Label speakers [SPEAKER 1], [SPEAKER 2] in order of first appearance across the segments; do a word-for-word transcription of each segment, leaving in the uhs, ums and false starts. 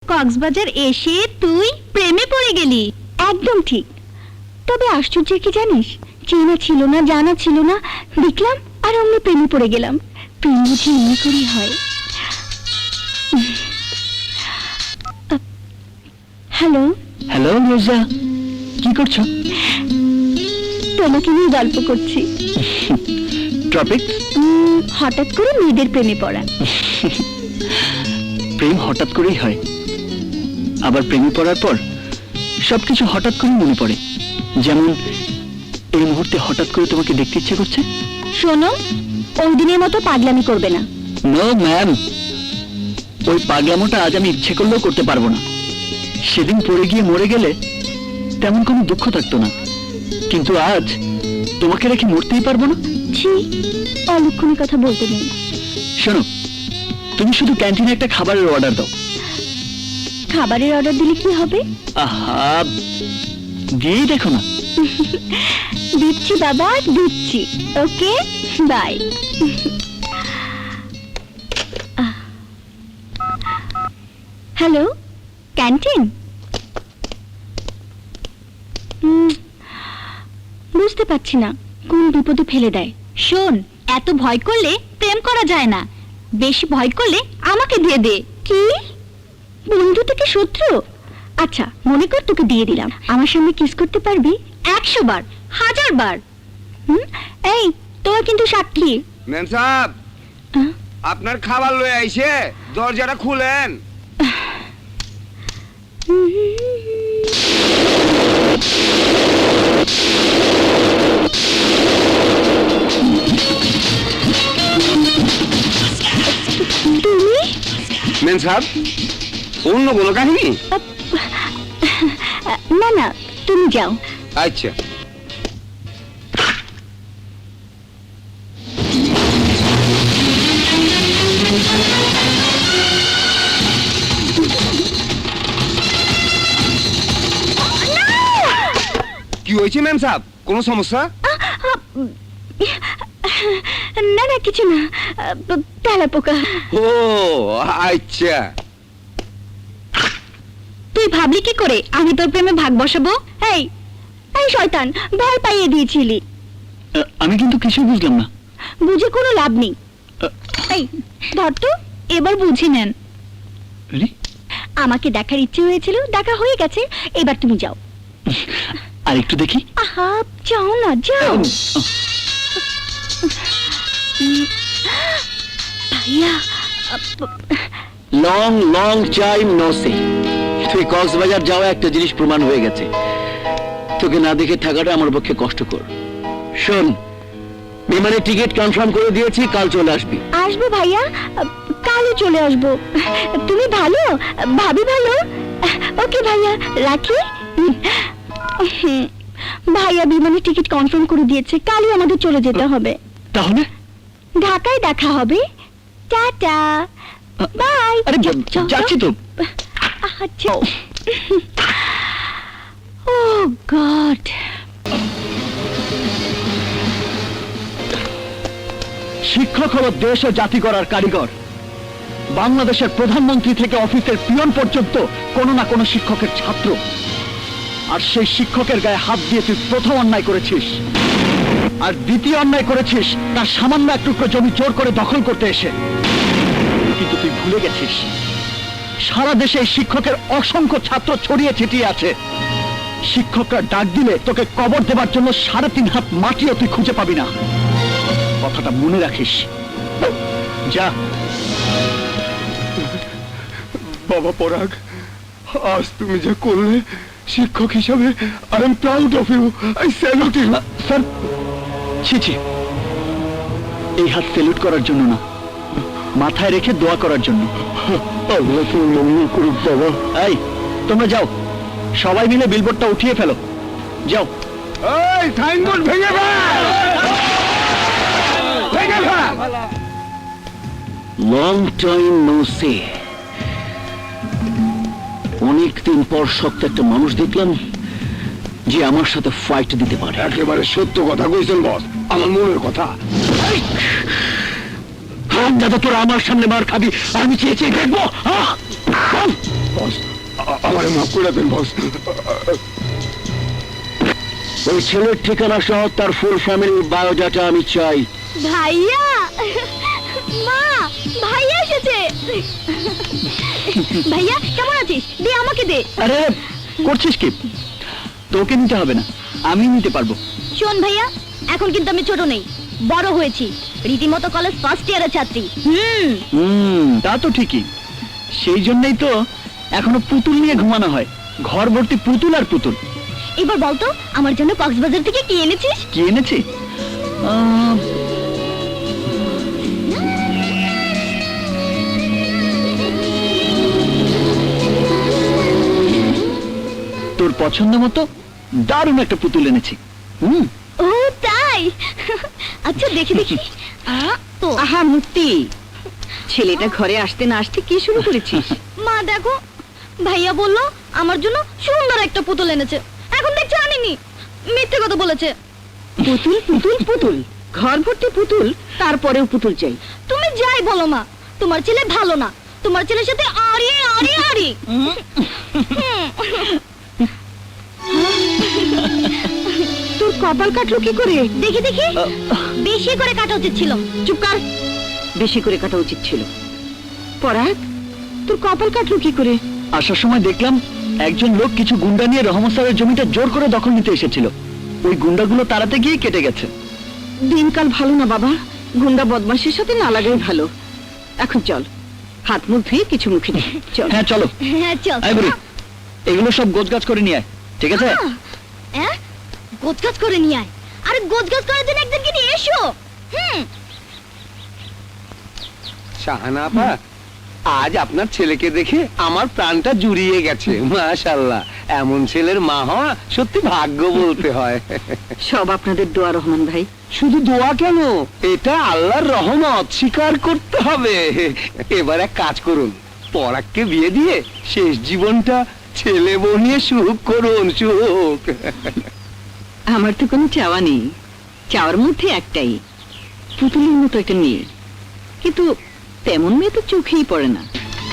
[SPEAKER 1] কক্সবাজার এসে তুই প্রেমে পড়ে গেলি।
[SPEAKER 2] একদম ঠিক। তবে আশ্চর্য কি জানিস, চেনা ছিল না, জানা ছিল না, দেখলাম আর অমনি প্রেমে পড়ে গেলাম। প্রেম বুঝি এমনি করেই হয়। হ্যালো
[SPEAKER 3] হ্যালো রোজা, কি করছো?
[SPEAKER 2] তোমাকে নিয়ে গল্প করছি।
[SPEAKER 3] টপিক?
[SPEAKER 2] হঠাৎ করে মেয়েদের প্রেমে পড়া।
[SPEAKER 3] প্রেম হঠাৎ করেই হয়, আবার প্রেমে পড়ার পর সবকিছু হঠাৎ করে মনে পড়ে। যেমন এই মুহূর্তে হঠাৎ করে তোমাকে দেখতে ইচ্ছে করছে।
[SPEAKER 2] শোনো, ওই দিনের মতো পাগলামি করবে না।
[SPEAKER 3] নো ম্যাম, ওই পাগলামোটা আজ আমি ইচ্ছে করলেও করতে পারবো না। সেদিন পড়ে গিয়ে মরে গেলে তেমন কোনো দুঃখ থাকতো না, কিন্তু আজ তোমাকে রেখে মরতেই পারবো না।
[SPEAKER 2] ছি, অলক্ষণের কথা বলতে নেই।
[SPEAKER 3] শোনো, তুমি শুধু ক্যান্টিনে একটা খাবারের অর্ডার দাও।
[SPEAKER 2] খাবারের অর্ডার দিলে কি হবে?
[SPEAKER 3] আহা, দিয়েই দেখো না।
[SPEAKER 2] দিচ্ছি বাবা, দিচ্ছি। Okay, bye. Hello, canteen? বুঝতে পারছি না, কোন বিপদে ফেলে দেয়।
[SPEAKER 1] শোন, এত ভয় করলে প্রেম করা যায় না। বেশি ভয় করলে আমাকে দিয়ে দে।
[SPEAKER 2] কি? বন্ধু থেকে শত্রু? আচ্ছা, মনে কর তোকে দিয়ে দিলাম, আমার সামনে কিস করতে পারবি?
[SPEAKER 1] একশো বার, হাজার বার।
[SPEAKER 2] হুম, এই তোরা কিন্তু সাক্ষী।
[SPEAKER 4] ম্যাম সাহেব,
[SPEAKER 2] হ্যাঁ?
[SPEAKER 4] আপনার খাবার লয়ে আইছে, দরজাটা খুলেন।
[SPEAKER 2] তুমি?
[SPEAKER 4] ম্যাম সাহেব, অন্য কোনো কাহিনী?
[SPEAKER 2] না না, তুমি যাও।
[SPEAKER 4] আচ্ছা। কি হয়েছে ম্যাম সাহেব, কোনো সমস্যা?
[SPEAKER 2] না না, কিছু না, তেলা পোকা।
[SPEAKER 4] ও আচ্ছা।
[SPEAKER 1] তুই ভাবলি কি করে আমি তোর প্রেমে ভাগ বসাবো?
[SPEAKER 2] এই এই শয়তান, ভয় পাইয়ে দিয়েছিলি।
[SPEAKER 3] আহ, আমি কিন্তু কিছুই বুঝলাম না।
[SPEAKER 2] বুঝে কোনো লাভ নেই। এই ধর তো, এবার বুঝে নেন।
[SPEAKER 3] রে,
[SPEAKER 2] আমাকে দেখার ইচ্ছে হয়েছিল, দেখা হয়ে গেছে, এবার তুমি যাও।
[SPEAKER 3] আর একটু দেখি।
[SPEAKER 2] আহা, যাও না, যাও। ভাইয়া,
[SPEAKER 3] long long time no see. তুই কক্সবাজার যাওয়া একটা জিনিস প্রমাণ হয়ে গেছে, তোকে না দেখে থাকাটা আমার পক্ষে কষ্টকর। শোন, বিমানের টিকিট কনফার্ম করে দিয়েছি, কাল চলে আসবি।
[SPEAKER 2] আসবো ভাইয়া, কালই চলে আসবো। তুমি ভালো, ভাবি ভালো। ওকে ভাইয়া, রাখি। ভাইয়া বিমানের টিকিট কনফার্ম করে দিয়েছে, কালই আমাদের চলে যেতে হবে।
[SPEAKER 3] তাহলে
[SPEAKER 2] ঢাকায় দেখা হবে। Tata, bye.
[SPEAKER 3] আরে যাচ্ছি তো।
[SPEAKER 2] আচ্ছা। Oh God.
[SPEAKER 3] শিক্ষক হলো দেশ ও জাতি গড়ার কারিগর। বাংলাদেশের প্রধানমন্ত্রী থেকে অফিসের পিয়ন পর্যন্ত কোনো না কোনো শিক্ষকের ছাত্র। আর সেই শিক্ষকের গায়ে হাত দিয়ে তুই প্রথম অন্যায় করেছিস, আর দ্বিতীয় অন্যায় করেছিস তার সামান্য এক টুকরো জমি জোর করে দখল করতে এসে। কিন্তু তুই ভুলে গেছিস, সারা দেশে এই শিক্ষকের অসংখ্য ছাত্র ছড়িয়ে ছিটিয়ে আছে। শিক্ষকরা ডাক দিলে তোকে কবর দেবার জন্য সাড়ে তিন হাত মাটিও তুই খুঁজে পাবি না। কথাটা মনে রাখিস। যা।
[SPEAKER 4] বাবা পরাগ, আজ তুমি যা করলে, শিক্ষক হিসাবে I am proud of you, I salute you.
[SPEAKER 3] Sir, ছি ছি, এই হাত সেলুট করার জন্য না, মাথায় রেখে দোয়া করার জন্য।
[SPEAKER 4] আল্লাহ তোর মঙ্গল করুক বাবা।
[SPEAKER 3] এই, তোমরা যাও, সবাই মিলে বিলবোর্ডটা উঠিয়ে ফেলো। যাও।
[SPEAKER 4] এই সাইনবোর্ড ভেঙে ফেল, ভেঙে ফেল।
[SPEAKER 3] Long time no see. অনেকদিন পর শক্ত একটা মানুষ দেখলাম যে আমার সাথে ফাইট দিতে পারে।
[SPEAKER 4] একেবারে সত্য কথা কইছেন বস, আমার মনের কথা।
[SPEAKER 3] দাদা, তোরা আমার সামনে মার খাবি, আমি চেয়ে চেয়ে দেখবো।
[SPEAKER 4] বস, আ- আমারে মাফ করে দেন বস।
[SPEAKER 3] ওই ছেলের ঠিকানা সহ তার ফুল ফ্যামিলির বায়োডাটা আমি চাই।
[SPEAKER 2] ভাইয়া, মা, ভাইয়া এসেছে। ভাইয়া কেমন আছিস? দে আমাকে দে।
[SPEAKER 3] আরে করছিস কি? তোকে নিতে হবে না, আমি নিতে পারবো।
[SPEAKER 2] শোন ভাইয়া, এখন কিন্তু আমি ছোট নেই, বড় হয়েছি, রীতিমতো কলেজ ফার্স্ট ইয়ারের ছাত্রী। হুম
[SPEAKER 3] হুম, তা তো ঠিকই। সেই জন্যই তো এখনো পুতুল নিয়ে ঘুমানো হয়, ঘর ভর্তি পুতুল আর পুতুল।
[SPEAKER 2] এবার বলতো আমার জন্য কক্সবাজার থেকে কি এনেছিস?
[SPEAKER 3] কি এনেছি? আহ, তোর পছন্দ মতো দারুণ একটা পুতুল এনেছি। হুম,
[SPEAKER 2] ও তাই? আচ্ছা দেখি দেখি। আ, তো
[SPEAKER 1] আহা মুক্তি, ছেলেটা ঘরে আসতে না আসতে কি শুরু করেছিস?
[SPEAKER 2] মা দেখো, ভাইয়া বললো আমার জন্য সুন্দর একটা পুতুল এনেছে, এখন দেখছি আনিনি, মিথ্যে কথা বলেছে।
[SPEAKER 1] পুতুল পুতুল পুতুল, ঘর ভর্তি পুতুল, তারপরেও পুতুল চাই।
[SPEAKER 2] তুমি যাই বলো মা, তোমার ছেলে ভালো না, তোমার ছেলের সাথে আরি আরি আরি।
[SPEAKER 1] তোর কপাল কাটলো কি করে?
[SPEAKER 2] দেখি দেখি, বেশি করে কাটা উচিত ছিল।
[SPEAKER 1] চুপ কর, বেশি করে কাটা উচিত ছিল। পরাগ, তোর কপাল কাটলো কি করে?
[SPEAKER 3] আসার সময় দেখলাম একজন লোক কিছু গুন্ডা নিয়ে রহমত স্যারের জমিটা জোর করে দখল নিতে এসেছিল। ওই গুন্ডাগুলো তাড়াতে গিয়ে কেটে গেছে।
[SPEAKER 1] দিনকাল ভালো না বাবা, গুন্ডা বদমাশের সাথে না লাগাই ভালো। এখন চল, হাত মুখ ধুয়ে কিছু মুখে দে। চল।
[SPEAKER 3] হ্যাঁ চলো।
[SPEAKER 2] হ্যাঁ চল।
[SPEAKER 3] আয় বুড়ি, এগুলো সব গোছগাছ করে নিয়ে আয়, ঠিক আছে?
[SPEAKER 2] হ্যাঁ, গোছগাছ করে নিয়ে আয়। আরে গোছগাছ করার জন্য একদিনকে নিয়ে এসো। হুম।
[SPEAKER 4] শাহানা আপা, আজ আপনার ছেলেকে দেখে আমার প্রাণটা জুড়িয়ে গেছে। মাশাআল্লাহ, এমন ছেলের মা হওয়া সত্যি ভাগ্য বলতে হয়।
[SPEAKER 1] সব আপনাদের দোয়া রহমান ভাই।
[SPEAKER 4] শুধু দোয়া কেন, এটা আল্লাহর রহমত, স্বীকার করতে হবে। এবার এক কাজ করুন, পরাগকে বিয়ে দিয়ে শেষ জীবনটা ছেলে বউ নিয়ে সুখ করুন, সুখ।
[SPEAKER 1] আমার তো কোনো চাওয়া নেই, চাওয়ার মধ্যে একটাই, পুতুলের মতো একটা মেয়ে। কিন্তু তেমন মেয়ে তো চোখেই পড়ে না।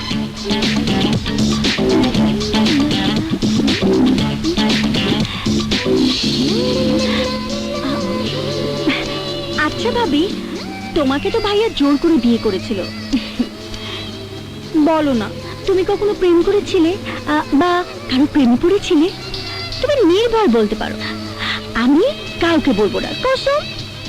[SPEAKER 2] আচ্ছা ভাবি, তোমাকে তো ভাইয়া জোর করে বিয়ে করেছিল, বলো না তুমি কখনো প্রেম করেছিলে আ, বা কারো প্রেমে পড়েছিলে? তুমি নির্ভয় বলতে পারো, আমি কাউকে বলবো না, কসম।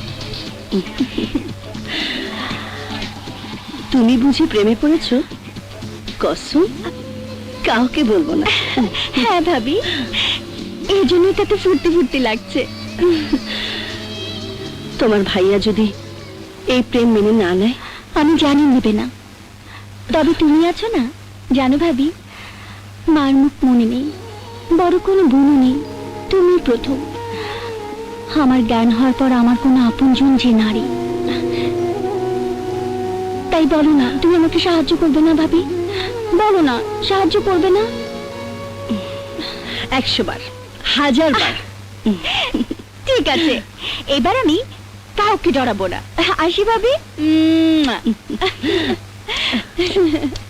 [SPEAKER 1] তুমি বুঝি প্রেমে পড়েছো? কসম, কাউকে বলবো না।
[SPEAKER 2] হ্যাঁ ভাবি, এই জন্যই তাতে ফুর্তি ফুর্তি লাগছে।
[SPEAKER 1] তোমার ভাইয়া যদি এই প্রেম মেনে না নেয়?
[SPEAKER 2] আমি জানি নেবে না, তবে তুমি আছো না, জানো ভাবি, মার মুখ মনে নেই, বড় কোনো বোনও নেই, তুমি প্রথম। আমার জ্ঞান হওয়ার পর আমার কোনো আপনজন যে নারী। তাই বলো না, তুমি আমাকে সাহায্য করবে না ভাবি? বলো না, সাহায্য করবে না?
[SPEAKER 1] একশো বার, হাজার বার।
[SPEAKER 2] ঠিক আছে, এবার আমি কাউকে ডরাবো না। আসি ভাবি।